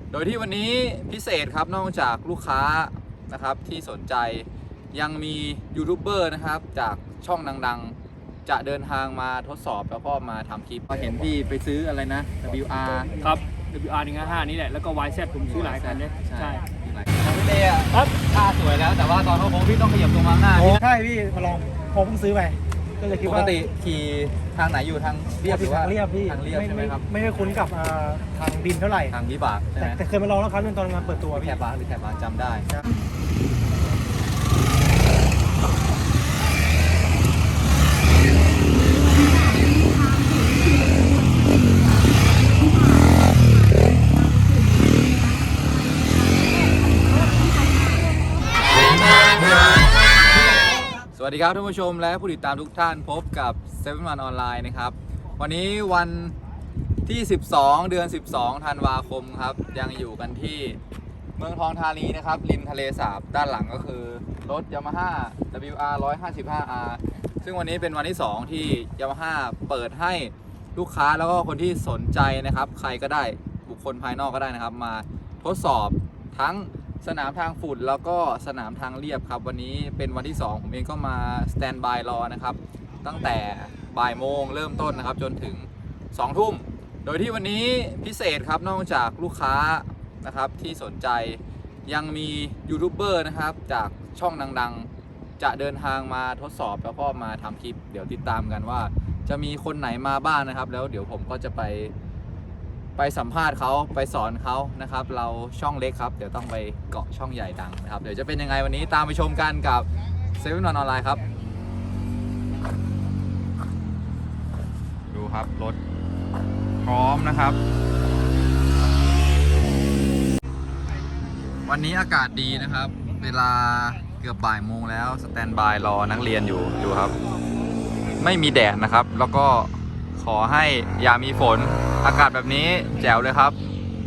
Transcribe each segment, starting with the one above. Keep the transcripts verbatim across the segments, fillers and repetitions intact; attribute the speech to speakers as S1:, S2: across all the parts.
S1: โดยที่วันนี้พิเศษครับนอกจากลูกค้านะครับที่สนใจยังมียูทูบเบอร์นะครับจากช่องดังๆจะเดินทางมาทดสอบแล้วก็มาทำคลิปเห็นพี่ไปซื้ออะไรนะ ดับเบิลยู อาร์
S2: ครับ ดับเบิลยู อาร์ หนึ่งห้าห้านี่แหละแล้วก็ วาย แซด ผมซื้อหลายคันเนี่ยใช่
S1: ของพี่เต้อะท่าสวยแล้วแต่ว่าตอนเขาโค้งพี่ต้องขยับตรงมาหน้า
S3: ใช่พี่มาลองผมเพิ่งซื้อไปก็เลยคิด
S1: ป
S3: ว่าก
S1: ติขี่ทางไหนอยู่ทางเรียบหรือว่า
S3: ทางเรียบพี่
S1: ทางเรียบใช่ไหมครับ
S3: ไม่ได้คุ้นกับทางดินเท่าไหร่
S1: ทางวิบากใช่ไห
S3: แต่
S1: ม
S3: แต่เคยมาลองแล้วครั้งนึงตอนงานเปิดตัว
S1: แค
S3: พี่
S1: บบาร์หรือแคบบาร์จำได้สวัสดีครับท่านผู้ชมและผู้ติดตามทุกท่านพบกับเซเว่นวันออนไลน์นะครับวันนี้วันที่สิบสองเดือนสิบสองธันวาคมครับยังอยู่กันที่เมืองทองธานีนะครับริมทะเลสาบด้านหลังก็คือรถ Yamaha ดับเบิลยู อาร์ หนึ่งห้าห้า อาร์ ซึ่งวันนี้เป็นวันที่สองที่ Yamaha เปิดให้ลูกค้าแล้วก็คนที่สนใจนะครับใครก็ได้บุคคลภายนอกก็ได้นะครับมาทดสอบทั้งสนามทางฝุ่นแล้วก็สนามทางเรียบครับวันนี้เป็นวันที่สองผมเองก็มาสแตนบายรอนะครับตั้งแต่บ่ายโมงเริ่มต้นนะครับจนถึงสองทุ่มโดยที่วันนี้พิเศษครับนอกจากลูกค้านะครับที่สนใจยังมียูทูบเบอร์นะครับจากช่องดังๆจะเดินทางมาทดสอบแล้วก็มาทำคลิปเดี๋ยวติดตามกันว่าจะมีคนไหนมาบ้างนะครับแล้วเดี๋ยวผมก็จะไปไปสัมภาษณ์เขาไปสอนเขานะครับเราช่องเล็กครับเดี๋ยวต้องไปเกาะช่องใหญ่ดังนะครับเดี๋ยวจะเป็นยังไงวันนี้ตามไปชมกันกับเซเว่นวันออนไลน์ครับดูครับรถพร้อมนะครับวันนี้อากาศดีนะครับเวลาเกือบบ่ายโมงแล้วสแตนบายรอนักเรียนอยู่ดูครับไม่มีแดดนะครับแล้วก็ขอให้อย่ามีฝนอากาศแบบนี้แจ๋วเลยครับ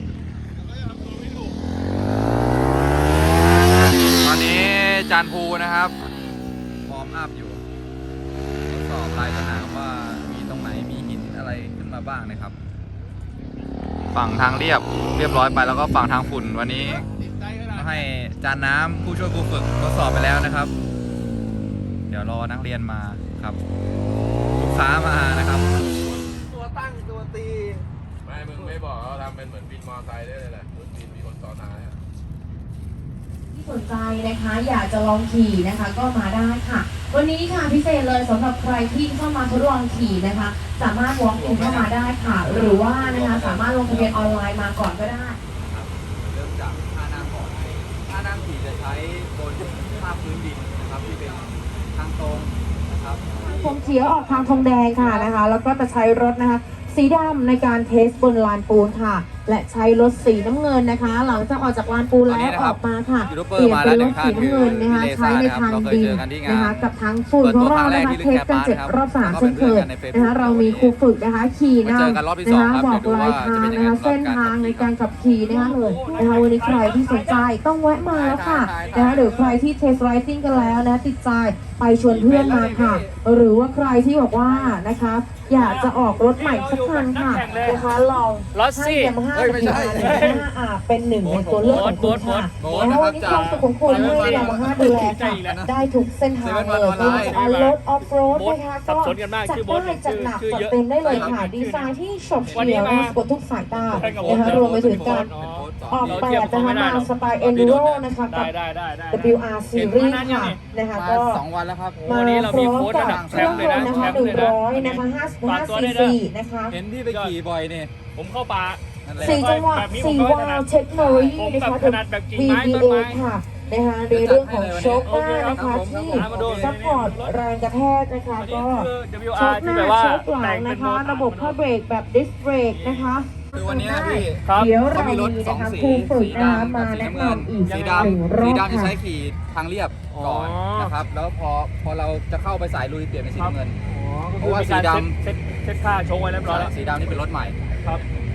S1: ตอนนี้จานภูนะครับฟอร์มอัพอยู่ทดสอบลายสนามว่ามีตรงไหนมีหินอะไรขึ้นมาบ้างนะครับฝั่งทางเรียบเรียบร้อยไปแล้วก็ฝั่งทางฝุ่นวันนี้ให้จานน้ำผู้ช่วยครูฝึกทดสอบไปแล้วนะครับเดี๋ยวรอนักเรียนมาครับลูกค้ามานะครับ
S3: ตัวตั้งตัวตี
S4: ไม่มึงไม่บอกเขาทำเป็นเหมือนบินมอไซค์ได้เลยแหละรถบินมีคนต่อท้าย
S5: ที่สนใจนะคะอยากจะลองขี่นะคะก็มาได้ค่ะวันนี้ค่ะพิเศษเลยสำหรับใครที่เข้ามาทดลองขี่นะคะสามารถ walk in เข้ามาได้ค่ะหรือว่านะคะสามารถลงทะเบียนออนไลน์มาก่อนก็ได้
S1: เริ่มจากท่านั่งก่อนท่านั่งขี่จะใช้บนภาพพื้นดินนะครับที่เป็นทางตรงนะครับ
S5: ผมเฉียวออกทางทองแดงค่ะนะคะแล้วก็จะใช้รถนะคะสีดำในการเทสบนลานปูนค่ะและใช้รถสีน้ำเงินนะคะหลังจากออกจากลานปูนแล้วออกมาค่ะเปลี่ยนเป็นรถสีน้ำเงินนะคะใช้ในทางดินนะคะกับทั้งฝุ่นของเรานะคะเทสกันเจ็ดรอบสามเช่นเคยนะคะเรามีครูฝึกนะคะขี่นำนะคะบอกลายทางนะคะเส้นทางในการขับขี่นะคะเลยนะคะวันนี้ใครที่สนใจต้องแวะมาแล้วค่ะนะคะหรือใครที่เทสไรซิ่งกันแล้วนะติดใจไปชวนเพื่อนมาค่ะหรือว่าใครที่บอกว่านะคะอยากจะออกรถใหม่สักคันค่ะนะคะลองให้ยามาฮ่าเป็นเป็นหนึ่งในตัวเลือกของคุณค่ะแล้ววันนี้ความสุขของคุณให้ยามาฮ่าดูแลค่ะได้ทุกเส้นทางเลยไม่ว่าจะออนรถออฟโรดนะคะก็จัดได้จัดหนักจัดเต็มได้เลยค่ะดีไซน์ที่ฉกเฉี่ยวนะคะกดทุกสายตานะคะรวมไปถึงการออกแบบนะคะมาสไตล์เอนดูโรนะคะกับ ดับเบิลยู อาร์ Series ค่ะนะคะก็
S1: สองวันแล้วครับ
S5: มาพร้อมกับเครื่องยนต์นะคะหนึ่งร้อยนะคะห้าสิบห้าซีซีนะคะ
S1: เห็นพี่ไปขี่บ่อยนี่
S2: ผมเข้าป่า
S5: สี่จังหวะสี่วาล์วเทคโนโลยีนะคะถึง วี บี เอ ค่ะนะคะในเรื่องของโชคหน้านะคะที่ซัพพอร์ตแรงกระแทกนะคะก็โชคหน้าโชคหลังนะคะระบบผ้าเบรกแบบดิสเบรกนะคะ
S1: คือวันนี้พี่
S5: เดี๋ยวเรามีนะคะครูฝึกนะคะมาแนะนำอีกหนึ่งรอบ
S1: สีดำจะใช้ขี่ทางเรียบก่อนนะครับแล้วพอพอเราจะเข้าไปสายลุยเปลี่ยนเป็นสีน้ำเงินเพราะว่าสีดำ
S2: เซ็ตเซ็ตค่าโชว์ไว้เรียบร้อยแล้ว
S1: สีดำนี่เป็นรถใหม่
S2: ครับ
S1: แล้ว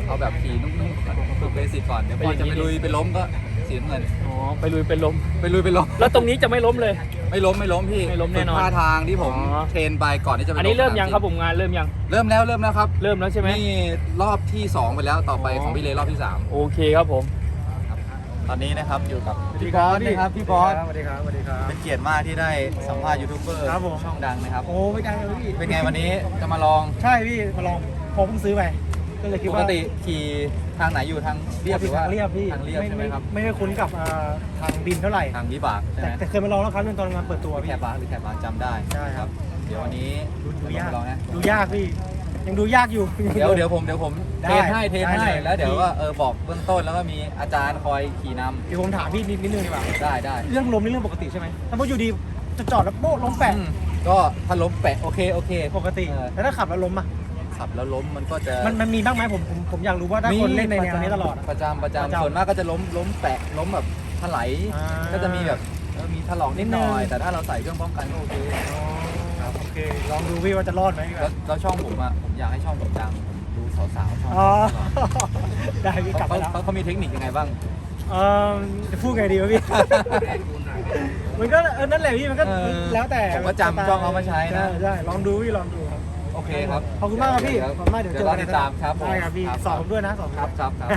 S1: เอาแบบขี่นุ่มๆก่อนฝึกเบสิกก่อนเดี๋ยวพอจะไปลุยไปล้มก็สีน้ำเงิน
S2: อ๋อไปลุยเป็นลม
S1: ไปลุยไปล้ม
S2: แล้วตรงนี้จะไม่ล้มเลย
S1: ไม่ล้มไม่ล้มพี่
S2: ไม่ล้มแน่นอน
S1: ฝึกท่าทางที่ผม
S2: อ๋อ
S1: เทรนไปก่อนที่จะไป
S2: อันนี้
S1: ล
S2: เริ่มยัง
S1: สา
S2: ครับผมงานเริ่มยัง
S1: เริ่มแล้วเริ่มแล้วครับ
S2: เริ่มแล้วใช่ไหม
S1: นี่รอบที่สองไปแล้วต่อไป
S2: อ๋อ
S1: ของพี่เลรอบที่สาม
S2: โอเคครับผม
S1: ตอนนี้นะครับอยู่กับพี่บอสนะครับพี่บอส
S3: สวัสดีครับสวัสดีครับ
S1: เป็นเกียรติมากที่ได้สัมภาษณ์ยูทูบเบอร์
S3: ครับผม
S1: ช่องดังนะครับ
S3: โอ้ไม่ได้เลยพี่
S1: เป็นไงวันนี้จะมาลอง
S3: ใช่พี่มาลองผมเพิ่งซื้อไปก็เลยคิด
S1: ป
S3: ว่าก
S1: ติขี่ทางไหนอยู่ทางเรียบหรือว่า
S3: ทางเรียบพี่
S1: ทางเรียบใช่ไหมครับ
S3: ไม่ได้คุ้นกับอ่าทางดินเท่าไหร่
S1: ทางวิบากใช่
S3: แต่
S1: ไหม
S3: แต่เคยมาลองแล้วครั้งหนึงตอนงานเปิดตัว
S1: แค
S3: พี่
S1: บาร์หรือแคบาร์จำได้
S3: ใช่ครับ
S1: เดี๋ยววันนี้
S3: ดูดูยาก
S1: ลองนะ
S3: ดูยากพี่ ยังดูยากอยู่
S1: เดี๋ยวเดี๋ยวผมเดี๋ยวผม
S3: ได้
S1: เทรนให้เทรน
S3: ได้
S1: ให้
S3: เลย
S1: แล้วเดี๋ยวก็เออบอกเบื้องต้นแล้วก็มีอาจารย์คอยขี่น
S3: เดี๋ยวผมถามพี่นิดนิดนึงดีกว่า
S1: ำได้ได้
S3: เรื่องลมนี่เรื่องปกติใช่ไหมถ้าพออยู่ดีจะจอดแล้วโป๊ะล้มแปะ
S1: อืมก็ถ้าล้มแปะโอเคโอเค
S3: ปกติ
S1: เออ
S3: แล้วถ้าขับแล้วล้มอ่ะ
S1: ขับแล้วล้มมันก็จะ
S3: มันมันมีบ้างไหมผมผมผมอยากรู้ว่าถ้าคนเล่นในแนวนี้ตลอดอะ
S1: ประจำประ
S3: ประ
S1: จำ
S3: จำ
S1: ส่วนมากก็จะล้มล้มแปะล้มแบบถลาย
S3: อ่า
S1: ก็จะมีแบบเออมีถลอกนิดหน่อย
S3: นิดนึง
S1: แต่ถ้าเราใส่เครื่องป้องกันก็โอเค
S3: ครับโอเคลองดูพี่ว่าจะรอดไหม
S1: แล้วแล้วช่องผมอ่ะผมอยากให้ช่องผมดังผมดูสาวๆช่อง
S3: อ๋อ
S1: ผม
S3: ได้พี่กลับ
S1: เขา
S3: มาแล้ว
S1: เขาเขามีเทคนิคยังไงบ้าง
S3: เออจะพูดไงดีวะพี่ มันก็เออนั่นแหละพี่มันก็
S1: เออ
S3: แล้วแต่
S1: ผมก็จำช่องเอามาใช้นะ
S3: ใช่ใช่ลองดูพี่ลองดูครับ
S1: โอเคครับ
S3: ขอบคุณมากครับพี่ขอบคุณมากเดี๋ยวเจอ
S1: รอ
S3: กัน
S1: ติดตามครับผม
S3: ได้ครับพี่สอนผมด้วยนะสอน
S1: ครับครับครับ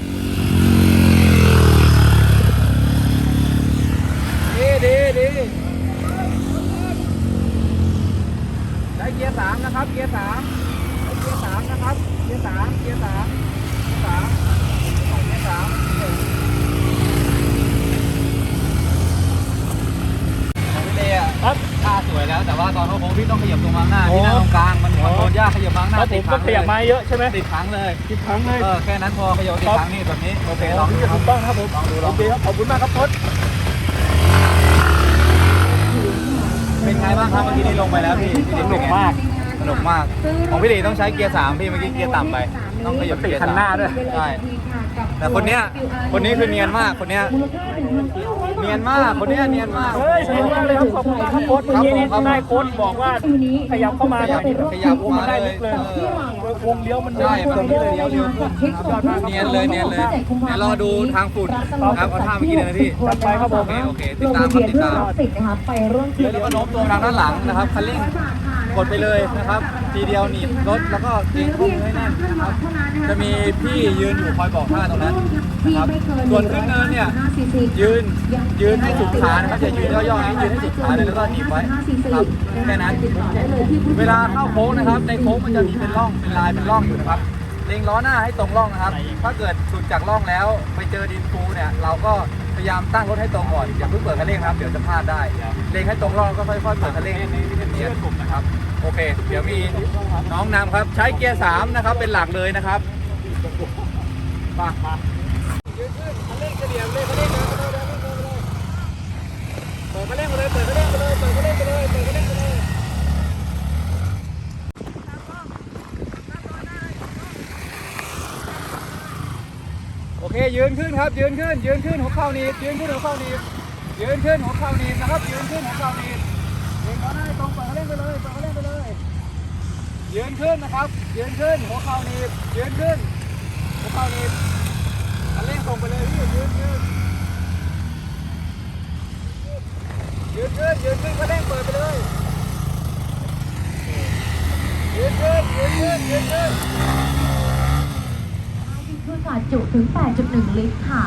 S1: ดีดีดีได้เกียร์สามนะครับเกียร์สามได้เกียร์สามนะครับเกียร์สามเกียร์สามเกียร์สามเกียร์สามของพี่เดย์อะ
S2: ครับ
S1: ท่าสวยแล้วแต่ว่าตอนเข้าโค้งพี่ต้องขยับตัวมาข้างหน้าที่หน้าตรงกลางมันคอนโทรลยากขยับมาข้างห
S2: แล้
S1: น้าว
S2: ผ
S1: ติ
S2: ม
S1: ด
S2: ก็
S1: ค้าง
S2: ขยับ
S1: เล
S2: มาย เยอะใช่ไหม
S1: ติดค้างเลย
S2: ติดครั้งเลย
S1: เออแค่นั้นพอขยับติดค้างนี่แบบนี้โอเคลองดู
S2: ที่
S1: ค
S2: จะ
S1: รับ
S2: ถูกต้องครับผม
S1: ลองดูล
S2: โอ
S1: อง
S2: เค
S1: ดู
S2: ครับขอบคุณมากครับพจน์
S1: เป็นไงบ้างครับเมื่อกี้นี้ลงไปแล้วพี่พี่
S2: ส
S1: ดิ๊
S2: นุก
S1: เป็นไง
S2: มาก
S1: สนุกมากของพี่ดิต้องใช้เกียร์สามพี่เมื่อกี้เกียร์ต่ำไปต้องขยับ
S2: ติด
S1: เกียร์
S2: คัน
S1: สาม
S2: หน้าด้วย
S1: ใช่แต่คนเนี้ยคนนี้คือเนียนมากคนเนี้ยเนียนมากคนเนี้ยเนียนมาก
S2: เฮ้ยสนุกมากเลยครับขอบคุณมากครับโค้ชเมื่อกี้นี้
S1: ครับผม
S2: ได้โค้ชบอกว่าขยับเข้ามาหน่อย
S1: ขยับ
S2: วงมันได้ลึกเลย
S1: เออ
S2: วงเลี้ยวมัน
S1: ใช่
S2: ตรงนี้เลย
S1: เลี้ยวเลี้ยว เนียนเลยเนียนเลยเดี๋ยวรอดูทางฝุ่นครับเอาท่าเมื่อกี้เลยนะพี่
S2: จัดไปครับผม
S1: โอเคโอเคติดตามครับติดตาม
S5: ติดนะคะไปร่วม
S1: แล้วก็โน้มตัวทางด้านหลังนะครับคันเร่งกดไปเลยนะครับทีเดียวหนีบรถแล้วก็เกรงข้อมือให้แน่นนะครับจะมีพี่ยืนอยู่คอยบอกท่าตรงนั้นนะครับส่วนขึ้นเนินเนี่ยยืนยืนให้สุดขานะครับอย่ายืนย่อๆนะยืนให้สุดขาเลยแล้วก็หนีบไว้ครับแค่นั้นเวลาเข้าโค้งนะครับในโค้งมันจะมีเป็นร่องเป็นลายเป็นร่องอยู่นะครับเล็งล้อหน้าให้ตรงร่องนะครับถ้าเกิดสุดจากร่องแล้วไปเจอดินฟูเนี่ยเราก็พยายามตั้งรถให้ตรงก่อนอย่าเพิ่งเปิดคันเร่งครับเดี๋ยวจะพลาดได้เล็งให้ตรงร่องก็ค่อยๆเปิดคันเร่งให้เนียนๆนะครับโอเค เดี๋ยวมีน้องนำครับใช้เกียร์สามนะครับเป็นหลักเลยนะครับมามายืนขึ้นคันเร่งเฉลี่ยเลยคันเร่งเลยเปิดคันเร่งไปเลยเปิดคันเร่งไปเลยเปิดคันเร่งไปเลยเปิดคันเร่งไปเลยโอเคยืนขึ้นครับยืนขึ้นยืนขึ้นหัวเข่าหนีบยืนขึ้นหัวเข่าหนีบยืนขึ้นหัวเข่าหนีบนะครับยืนขึ้นหัวเข่าหนีบเล็งเขาได้ตรงเปิดเขาเล่นไปเลยเปิดเขาเล่นไปเลยยืนขึ้นนะครับยืนขึ้นหัวเข่าหนีบยืนขึ้นหัวเข่าหนีบคันเร่งส่งไปเลยพี่ยืนยืนยืนขึ้นยืนขึ้นคันเร่งเปิดไปเลยยืนขึ้นยืนขึ้นยืนขึ้น
S5: ขึ้นค่ะจุถึง แปดจุดหนึ่ง ลิตรค่ะ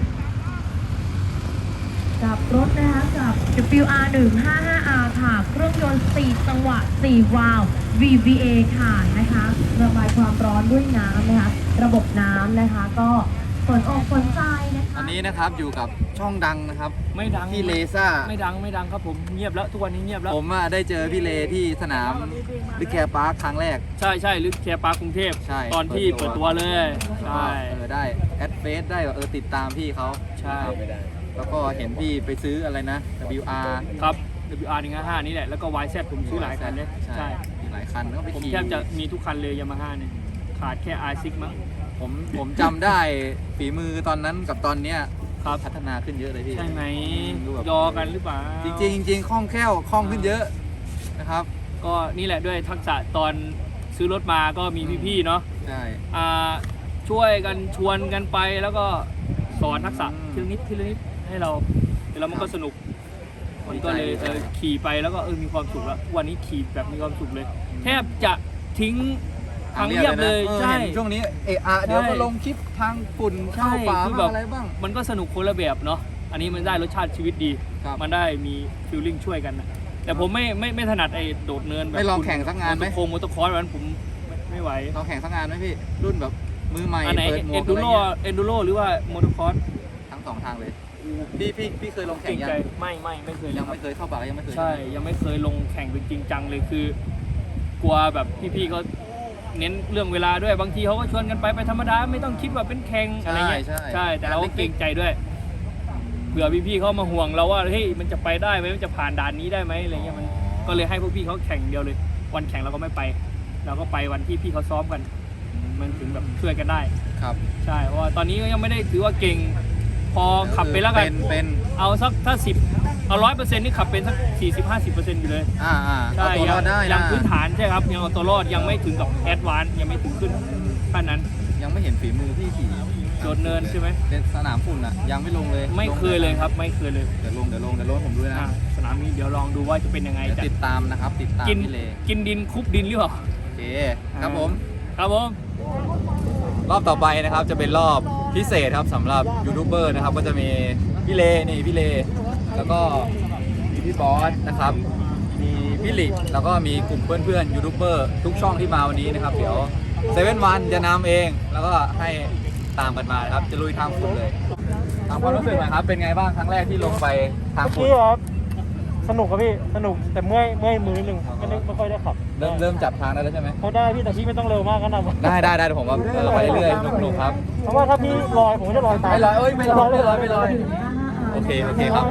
S5: กับรถนะคะกับ ดับเบิลยู อาร์ หนึ่งห้าห้า อาร์ ค่ะ เครื่องยนต์ สี่จังหวะ สี่ วาล์ว วี วี เอ ค่ะนะคะ ระบายความร้อนด้วยน้ำนะคะ ระบบน้ำนะคะ ก็ฝนอกฝนใจนะคะ
S1: อันนี้นะครับอยู่กับช่องดังนะครับ
S2: ไม่ดัง
S1: พี่เลซ่า
S2: ไม่ดังไม่ดังครับผมเงียบแล้วทุกวันนี้เงียบแล้ว
S1: ผมอะได้เจอพี่เลที่สนามลิแคร์พาร์คครั้งแรก
S2: ใช่ใช่ลึกแคร์ปาร์คกรุงเทพ
S1: ใช่
S2: ตอนที่
S1: เปิ
S2: เปิ
S1: ด
S2: ด
S1: ตั
S2: ตัว วเลยใช่
S1: เออได้แอดเฟซได้ว่าเออติดตามพี่เขา
S2: ใช่
S1: ครับแล้วก็เห็นพี่ไปซื้ออะไรนะ ดับเบิลยู อาร์
S2: ครับ ดับเบิลยู อาร์ หนึ่งห้าห้า นี่แหละแล้วก็ วาย แซด ผมซื้อหลายคันเนี่ย
S1: ใช่
S2: ใช่
S1: มีหลายคันก็ไป
S2: ผม
S1: ขี่
S2: แทบจะมีทุกคันเลยยามาฮ่าเนี่ยขาดแค่ อาร์ ซิก มั้ง
S1: ผมผมจำได้ฝีมือตอนนั้นกับตอนเนี้ย
S2: ครับ
S1: พัฒนาขึ้นเยอะเลยพี่
S2: ใช่ไหม
S1: ดูแบบ
S2: ยอกันหรือเปล่า
S1: จริงๆจริงๆคล่องแคล่วคล่องขึ้นเยอะนะครับ
S2: ก็นี่แหละด้วยทักษะตอนซื้อรถมาก็มีพี่ๆเนาะ
S1: ใช่
S2: อ่าช่วยกันชวนกันไปแล้วก็สอนทักษะทีละนิดทีละนิดให้เราแล้วมันก็สนุกมันก็เลยเออขี่ไปแล้วก็เออมีความสุขแล้ววันนี้ขี่แบบมีความสุขเลย แทบจะทิ้งทางเรียบเลยใช่
S1: ช่วงนี้เอะอะเดี๋ยวก็ลงคลิปทางฝุ่นเข้าป่า
S2: คือ
S1: บ้างอะไรบ้าง
S2: มันก็สนุกคนละแบบเนาะอันนี้มันได้รสชาติชีวิตดี
S1: ครับ
S2: มันได้มีฟีลลิ่งช่วยกันนะแต่ผมไม่ไม่ไม่ถนัดไอ้โดดเนินแบบ
S1: ไม่ลองแข่งสักงานไหม
S2: มอเตอร์โคงมอเตอร์คอร์สแบบนั้นผมไม่ไม่ไหว
S1: ลองแข่งสักงานไหมพี่รุ่นแบบมือใหม่
S2: อันไหน
S1: เปิดหมว
S2: เอ็
S1: ก
S2: น
S1: อะ
S2: ดู
S1: ไร
S2: โร
S1: เงี้ย
S2: เอ็นดูโรหรือว่ามอเตอร์คอร์ส
S1: ทั้งสองทางเลยพี่พี่พี่เคยลงแข่
S2: เก่
S1: ง
S2: ง
S1: ยัง
S2: ใจไม่ไม่ไม่เคย
S1: ยัง
S2: ครับ
S1: ไม่เคยเข้าป่ายังไม่เคย
S2: ใช่ยังไม่เคยลงแข่งเป็นจริงจังเลยคือกลัวแบบพี่ๆเขาเน้นเรื่องเวลาด้วยบางทีเขาก็ชวนกันไปไปธรรมดาไม่ต้องคิดว่าเป็นแข่งอะไร
S1: ใช่
S2: เงี้ย
S1: ใช่
S2: ใช่แต่เราก็เกรงใจด้วยเผื่อพี่ๆเขามาห่วงเราว่าเฮ้ยมันจะไปได้ไหมมันจะผ่านด่านนี้ได้ไหมอะไรเงี้ยมันก็เลยให้พวกพี่เขาแข่งเดียวเลย วันแข่งเราก็ไม่ไป เราก็ไปวันที่พี่เขาซ้อมกัน มันถึงแบบช่วยกันได้
S1: ครับ
S2: ใช่เพราะว่าตอนนี้ก็ยังไม่ได้ถือว่าเก่งพอขับไปแล้วกั
S1: เป็น นเป็น
S2: เอาสักถ้าสิบเอาร้อยเปอร์เซ็นต์นี่ขับเป็นสักสี่สิบห้าสิบเปอร์เซ็นต์อยู่เลย
S1: อ่าอ่า
S2: ใช่
S1: เอาตัวรอดได้
S2: ยั
S1: นะ
S2: งพื้นฐานใช่ครับยังเอาตัวรอดยังไม่ถึงกับแอดวานซ์ยังไม่ถึงขึ้นขั้นนั้น
S1: ยังไม่เห็นฝีมือพี่ขี่
S2: โดดเนินใช่ไหม
S1: เป็นสนามฝุ่นอ่ะยังไม่ลงเลย
S2: ไม่เคยเลยครับไม่เคยเลย
S1: เดี๋ยวลงเดี๋ยวลงเดี๋ยวลงผมด้วยนะ
S2: อ่ะสนามนี้เดี๋ยวลองดูว่าจะเป็นยังไง
S1: เดี๋ยว
S2: จะ
S1: ติดตามนะครับติดตาม
S2: กิน
S1: พี่เล
S2: กินดินคุบดินหรือเปล่า
S1: โอเคครับผม
S2: ครับผม
S1: รอบต่อไปนะครับจะเป็นรอบพิเศษครับสำหรับยูทูบเบอร์นะครับก็จะมีพี่เลนี่พี่เลแล้วก็มีพี่บอสนะครับมีพี่หลิแล้วก็มีกลุ่มเพื่อนๆยูทูบเบอร์ทุกช่องที่มาวันนี้นะครับเดี๋ยวเซเว่นวันจะนำเองแล้วก็ให้ตามกันมานะครับจะลุยทางฝุ่นเลยตามความรู้สึกหน่อยครับเป็นไงบ้างครั้งแรกที่ลงไปทางฝุ่น
S3: พี่ครับสนุกครับพี่สนุกแต่เมื่อยเมื่อยมือนิดนึงไม่ได้ไม่ค่อยได้ขับ
S1: เริ่มเริ่มจับทางได้แล้วใช่ไหม
S3: เขาได้พี่แต่พี่ไม่ต้องเร็วมากก็นำ
S1: ได้ได้ได้เดี๋ยวผมว่าเออไปเรื่อยๆสนุกๆครับ
S3: เพราะว่าถ้าพี่ลอยผมก็จะลอยตาม
S1: ไม่ลอยเอ้ยไม่ลอยไม่ลอยไม่ลอย โอเคโอเคครับ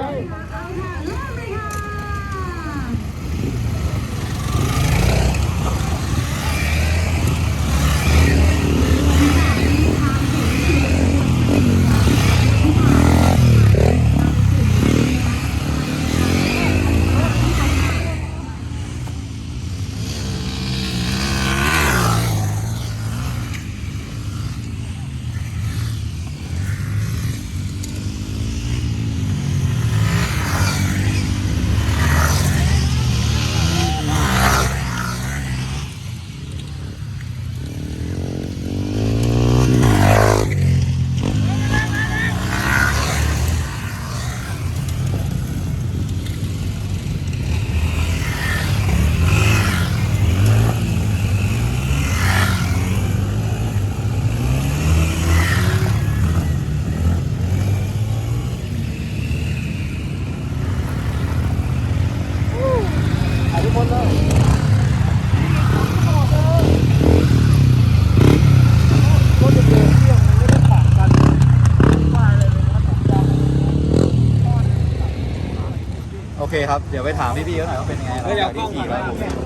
S1: โอเคครับ เดี๋ยวไปถามพี่ๆเขาหน่อยว่าเป็นยังไงเราจากที่ขี่มา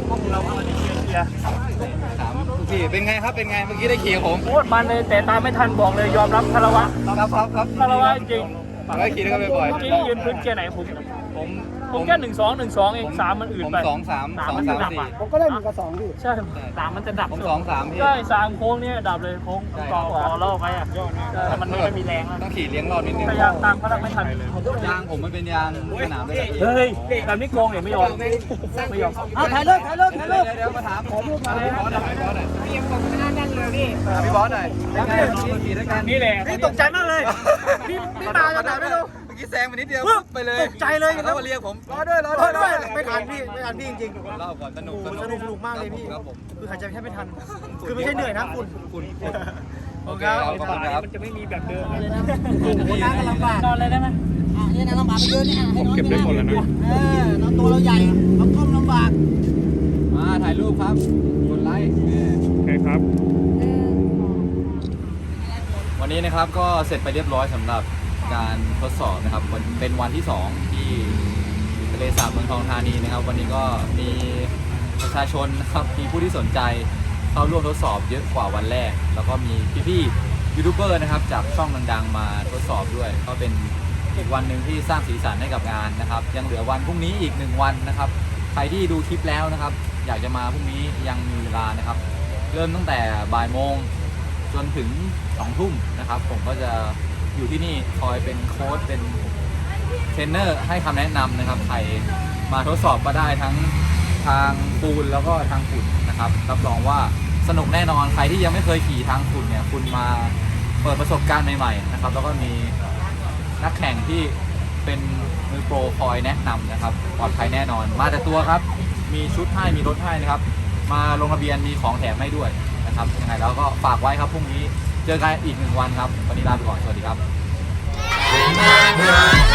S1: ถามพี่เป็นไงครับเป็นไงเมื่อกี้ได้ขี่กับผม
S2: โคตรมันเลยแต่ตามไม่ทันบอกเลยยอมรับคารวะ
S1: ครับครับครับ
S2: คารวะจริง
S1: ผมก็ขี่ด้วยกันบ่อย
S2: เมื่อกี้ยืนพื้นเกียร์ไหนผม
S1: ๆผม
S2: ผมแค่หนึ่งสองหนึ่งสองเองสามมันอื่น
S1: ผม
S2: ไป
S1: สองสามสองสามสี่
S3: ผมก็ได้หนึ่งกับสองพี่
S2: ใช่สามมันจะดับ
S1: ผมสองสามพี่
S2: ใช่สามโค้งเนี่ยดับเลยโค้งต่อต่อรอบไปอ่ะแต่มันไม่มีแรงแล้ว
S1: ต้องขี่เลี้ยงรอบนิดนึง
S2: พยายามตามเขาไม่ทัน
S1: ยางผมมันเป็นยางสนามด้วย
S2: เฮ้ยแบบนี้โกงเนี่ยไม่ยอมไม่ยอม
S3: เอาถ่ายรูปถ่ายรูปถ่ายรูป
S1: เดี๋ยวเดี๋ยวมาถามขอรูปมาพี่บอสหน่อยพี่บอสหน่อยพี่ยังบอกไม่น่านั่นเลยพี่พี่บอสหน่อยเป็นไงขี่ขี่ด้วยกัน
S2: นี่แหละ
S3: พี่ตกใจมากเลยพี่พี่มาจากไหนไม่รู้
S1: เมื่อกี้แซงไปนิดเดียวไปเลย
S3: ตกใจเลย
S1: แล้วมาเรียกผมรอด้วยรอ
S3: รอด้
S1: ด้
S3: ว
S1: วย ย
S3: ไม่ทันพี่ไม่ทันพี่จริง
S1: เล่าก่อนสนุก
S3: ๆสนุกสนุกมากเลยพี่
S1: ครับผม
S3: คือหายใจแทบไม่ทัน คือไม่ใช่เหนื่อยนะคุณ
S1: คุณโอเคครับขอบคุณครับ
S2: มันจะไม่มีแบบเดิม
S3: คนนั่งกันลำบาก
S2: นอนเลยได้ไหม
S3: อ่ะนี่นะลำบากไปเยอะนี่อ่ะให้นอน
S2: เก็บได้หมดแล้วนะ
S3: เออเราตัวเราใหญ่เราก้มลำบาก
S1: มาถ่ายรูปครับกดไลค์
S2: โอเคครับ
S1: วันนี้นะครับก็เสร็จไปเรียบร้อยสำหรับการทดสอบนะครับวันเป็นวันที่สองที่ทะเลสาบเมืองทองธานีนะครับ วันนี้ก็มีประชาชนนะครับมีผู้ที่สนใจเข้าร่วมทดสอบเยอะกว่าวันแรก แล้วก็มีพี่ๆยูทูบเบอร์นะครับจากช่องดังๆมาทดสอบด้วยก็เป็นอีกวันหนึ่งที่สร้างสีสันให้กับงานนะครับยังเหลือวันพรุ่งนี้อีกหนึ่งวันนะครับใครที่ดูคลิปแล้วนะครับอยากจะมาพรุ่งนี้ยังมีเวลานะครับเริ่มตั้งแต่บ่ายโมงจนถึงสองทุ่มนะครับ ผมก็จะอยู่ที่นี่คอยเป็นโค้ชเป็นเทรนเนอร์ให้คำแนะนำนะครับใครมาทดสอบก็ได้ทั้งทางปูนแล้วก็ทางฝุ่นนะครับรับรองว่าสนุกแน่นอนใครที่ยังไม่เคยขี่ทางฝุ่นเนี่ยคุณมาเปิดประสบการณ์ใหม่ๆนะครับแล้วก็มีนักแข่งที่เป็นมือโปรคอยแนะนำนะครับปลอดภัยแน่นอนมาแต่ตัวครับมีชุดให้มีรถให้นะครับมาลงทะเบียนมีของแถมให้ด้วยนะครับยังไงแล้วก็ฝากไว้ครับพรุ่งนี้เจอกันอีกหนึ่งวันครับวันนี้ลาไปก่อนสวัสดีครับ